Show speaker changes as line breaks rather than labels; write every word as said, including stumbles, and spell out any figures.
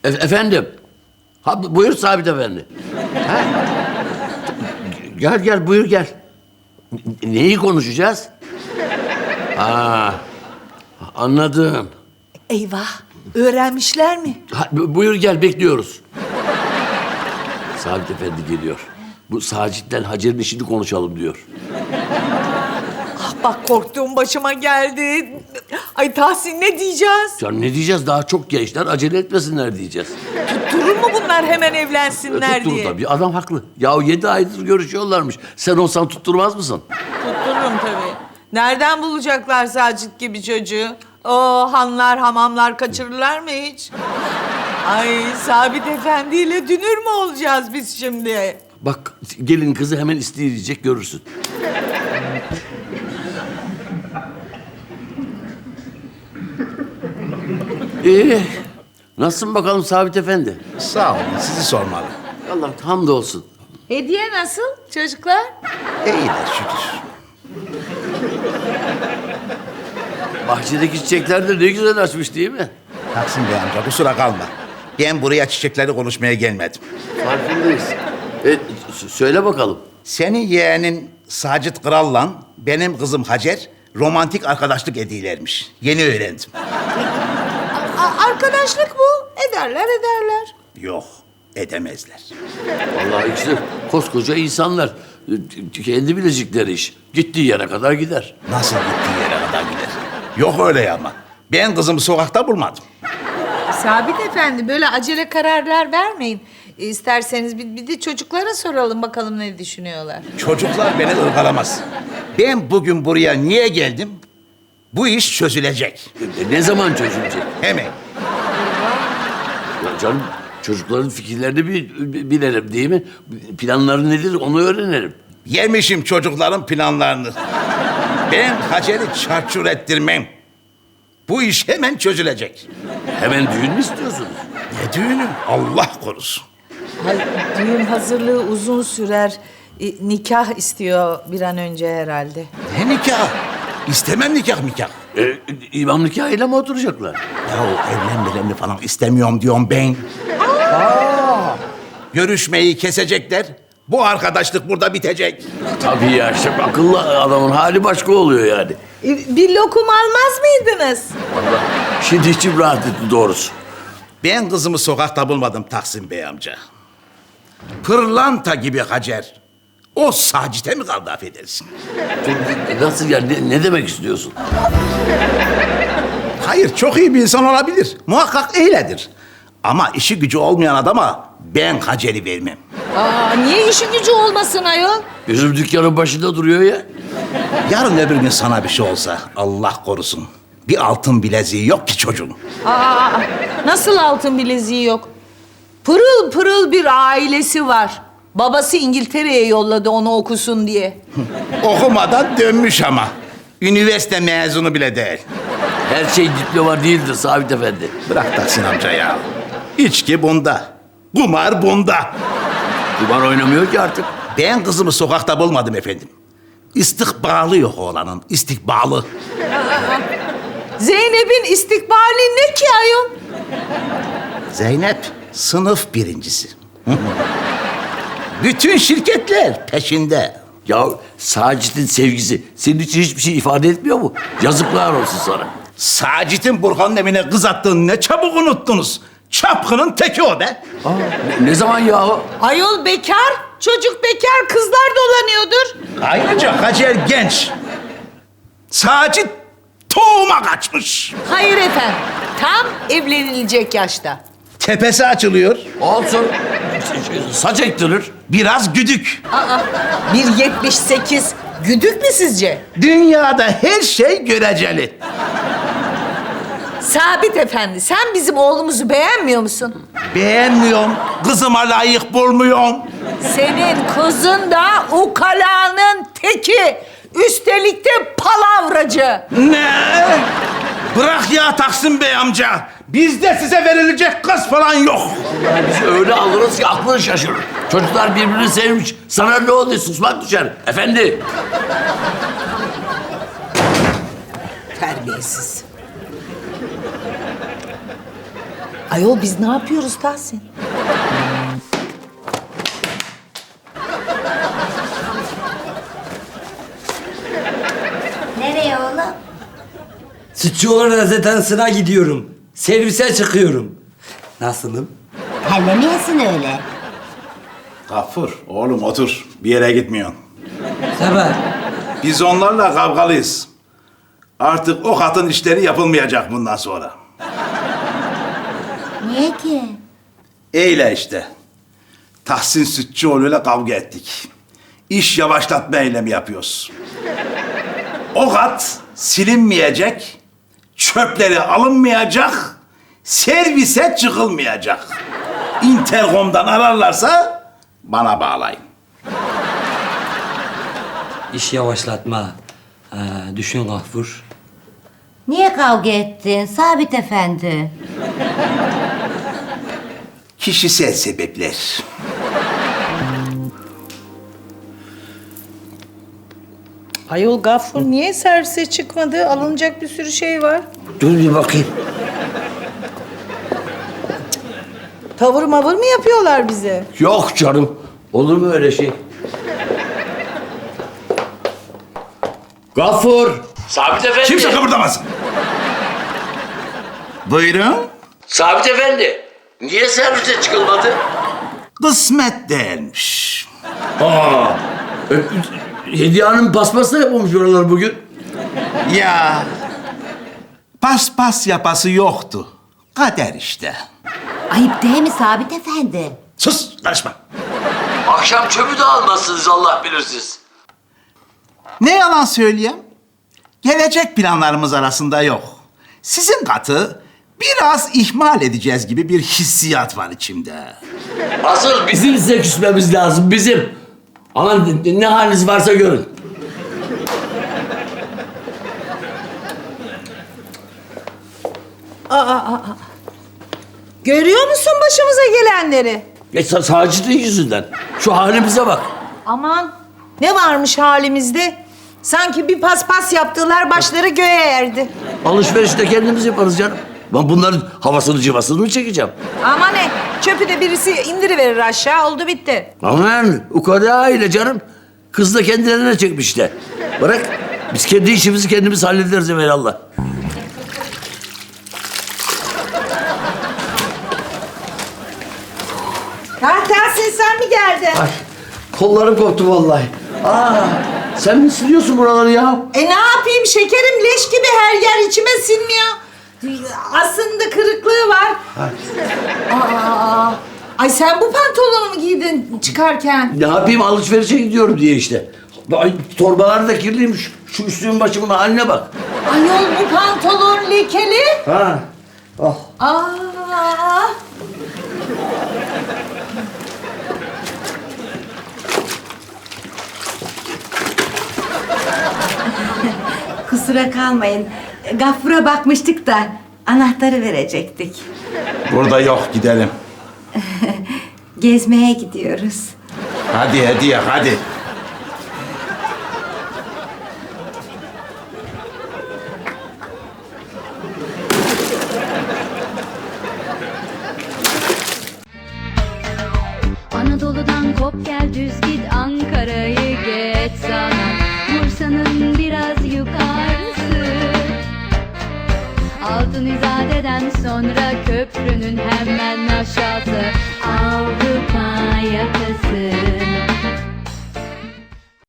E- efendim. Ha, bu- buyur Sabit Efendi. Ha? Gel gel buyur gel. N- Neyi konuşacağız? Ha, anladım.
Eyvah, öğrenmişler mi?
Ha, bu- buyur gel bekliyoruz. Sabit Efendi geliyor. Bu Sacit'ten Hacer'in işini konuşalım diyor.
Ah bak korktuğum başıma geldi. Ay Tahsin ne diyeceğiz?
Ya ne diyeceğiz? Daha çok gençler acele etmesinler diyeceğiz.
Durur mu bunlar hemen evlensinler
Tutturur
diye?
tabii. Adam haklı. Ya yedi aydır görüşüyorlarmış. Sen olsan tutturmaz mısın?
Tuttururum tabii. Nereden bulacaklar Sacit gibi çocuğu? O hanlar, hamamlar kaçırırlar mı hiç? Ay Sabit Efendi ile dünür mü olacağız biz şimdi?
Bak gelin kızı hemen isteyecek görürsün. Ee, nasılsın bakalım Sabit Efendi?
Sağ olun, sizi sormalı.
Allah hamdolsun.
Hediye nasıl çocuklar?
İyiler şükür.
Bahçedeki çiçekler de ne güzel açmış değil mi?
Taksim Bey amca, kusura kalma. Ben buraya çiçekleri konuşmaya gelmedim.
Farkındayız. E, s- söyle bakalım.
Senin yeğenin Sacit Kral'la benim kızım Hacer romantik arkadaşlık ediyorlarmış. Yeni öğrendim.
A- arkadaşlık bu. Ederler ederler.
Yok, edemezler.
Vallahi ikisi koskoca insanlar. Kendi bilecekleri iş. Gittiği yere kadar gider.
Nasıl gittiği yere kadar gider? Yok öyle ama. Ben kızımı sokakta bulmadım.
Sabit Efendi böyle acele kararlar vermeyin. E, İsterseniz bir, bir de çocuklara soralım bakalım ne düşünüyorlar.
Çocuklar beni ırgalamaz. Ben bugün buraya niye geldim? Bu iş çözülecek.
E, ne zaman çözülecek?
Hemen.
Ya canım çocukların fikirlerini bir, bir- bilelim değil mi? Planları nedir onu öğrenelim.
Yemişim çocukların planlarını. Ben Hacer'i çarçur ettirmem. Bu iş hemen çözülecek.
Hemen düğün mü istiyorsunuz?
Ne düğünü? Allah korusun.
Hay, düğün hazırlığı uzun sürer. E, nikah istiyor bir an önce herhalde.
Ne nikah? İstemem nikah nikah.
E, imam nikahıyla mı oturacaklar?
Ya evlenmelerini falan istemiyorum diyorum ben. Aa! Görüşmeyi kesecekler. Bu arkadaşlık burada bitecek.
Tabii ya işte akıllı adamın hali başka oluyor yani.
E, bir lokum almaz mıydınız?
Vallahi şimdi içim rahat etti doğrusu.
Ben kızımı sokakta bulmadım Taksim Bey amca. Pırlanta gibi Hacer. O Sacit'e mi kaldı affedersin?
Nasıl yani ne, ne demek istiyorsun?
Hayır, çok iyi bir insan olabilir. Muhakkak öyledir. Ama işi gücü olmayan adama ben Hacer'i vermem.
Aa, niye işi gücü olmasın ayol?
Bizim dükkanın başında duruyor ya.
Yarın öbür gün sana bir şey olsa Allah korusun. Bir altın bileziği yok ki çocuğun.
Aa, nasıl altın bileziği yok? Pırıl pırıl bir ailesi var. Babası İngiltere'ye yolladı onu okusun diye.
Okumadan dönmüş ama. Üniversite mezunu bile değil.
Her şey diploma değildir Sabit Efendi.
Bırak Tahsin amca ya. İçki bunda. Kumar bunda.
Kumar oynamıyor ki artık.
Ben kızımı sokakta bulmadım efendim. İstikbalı yok oğlanın, istikbalı.
Zeynep'in istikbali ne ki ayol?
Zeynep sınıf birincisi. Bütün şirketler peşinde.
Ya Sacit'in sevgisi senin için hiçbir şey ifade etmiyor mu? Yazıklar olsun sana.
Sacit'in Burhan'ın evine kız attığını ne çabuk unuttunuz. Çapkının teki o be.
Aa, ne, ne zaman yahu?
Ayol bekar, çocuk bekar, kızlar dolanıyordur.
Ayrıca Hacer genç. Sacit tohuma kaçmış.
Hayır efendim, tam evlenilecek yaşta.
Tepesi açılıyor.
Olsun. Saç ektirir.
Biraz güdük.
Aa, bir yetmiş sekiz güdük mü sizce?
Dünyada her şey göreceli.
Sabit efendi, sen bizim oğlumuzu beğenmiyor musun?
Beğenmiyorum. Kızıma layık bulmuyorum.
Senin kızın da ukalanın teki. Üstelik de palavracı.
Ne? Bırak ya Taksim Bey amca. Bizde size verilecek kız falan yok.
Yani biz öyle alırız ki aklın şaşırır. Çocuklar birbirini sevmiş. Sana ne oluyor? Susmak düşer. Efendi.
Terbiyesiz. Ayol biz ne yapıyoruz Tahsin?
Nereye oğlum?
Sütçüoğlu rezidansına gidiyorum. Servise çıkıyorum. Nasılım?
Terlemiyorsun öyle.
Gafur, oğlum otur. Bir yere gitmiyorsun.
Sabah.
Biz onlarla kavgalıyız. Artık o katın işleri yapılmayacak bundan sonra.
Niye ki?
Eyle işte. Tahsin Sütçüoğlu'yla kavga ettik. İş yavaşlatma eylemi yapıyoruz. O kat silinmeyecek, çöpleri alınmayacak, servise çıkılmayacak. Intercom'dan ararlarsa bana bağlayın.
İş yavaşlatma. Ha, düşün Gafur.
Niye kavga ettin Sabit Efendi?
Kişisel sebepler.
Ayol Gaffur niye servise çıkmadı? Alınacak bir sürü şey var.
Dur bir bakayım.
Tavır mavır mı yapıyorlar bize?
Yok canım. Olur mu öyle şey? Gafur. Sabit Efendi.
Kimse kıpırdamasın. Buyurun.
Sabit Efendi. Niye servise çıkılmadı?
Kısmet değilmiş.
Aa. e, Hediye Hanım paspas da yapmamış oralar bugün.
Ya paspas yapası yoktu. Kader işte.
Ayıp değil mi Sabit Efendi?
Sus, karışma.
Akşam çöpü de almazsınız Allah bilir siz.
Ne yalan söyleyeyim? Gelecek planlarımız arasında yok. Sizin katı biraz ihmal edeceğiz gibi bir hissiyat var içimde.
Asıl bizim size küsmemiz lazım, bizim. Aman ne haliniz varsa görün.
Görüyor musun başımıza gelenleri?
E, sa- Sacit'in yüzünden. Şu halimize bak.
Aman ne varmış halimizde? Sanki bir paspas yaptılar başları göğe erdi.
Alışverişte kendimiz yaparız canım. Ben bunların havasını cıvasını mı çekeceğim?
Ama ne? Çöpü de birisi indiriverir aşağı oldu bitti.
Aman ukala aile canım. Kız da kendilerine çekmiş işte. Bırak biz kendi işimizi kendimiz hallederiz evvelallah.
Ha Tahsin sen mi geldin?
Ay kollarım koptu vallahi. Aa, sen mi siliyorsun buraları ya?
E ne yapayım şekerim leş gibi her yer içime sinmiyor. Aslında kırıklığı var. Aa, ay sen bu pantolonu mu giydin çıkarken?
Ne yapayım alışverişe gidiyorum diye işte. Ay, torbalar da kirliymiş. Şu üstümün başımın haline bak.
Ayol bu pantolon lekeli.
Ha. Oh.
Aa.
Kusura kalmayın. Gafur'a bakmıştık da anahtarı verecektik.
Burada yok, gidelim.
Gezmeye gidiyoruz.
Hadi hediye, hadi.
Anadolu'dan kop gel düz git Ankara'yı geç sana Bursa'nın biraz yukarısı Altın İzade'den sonra köprünün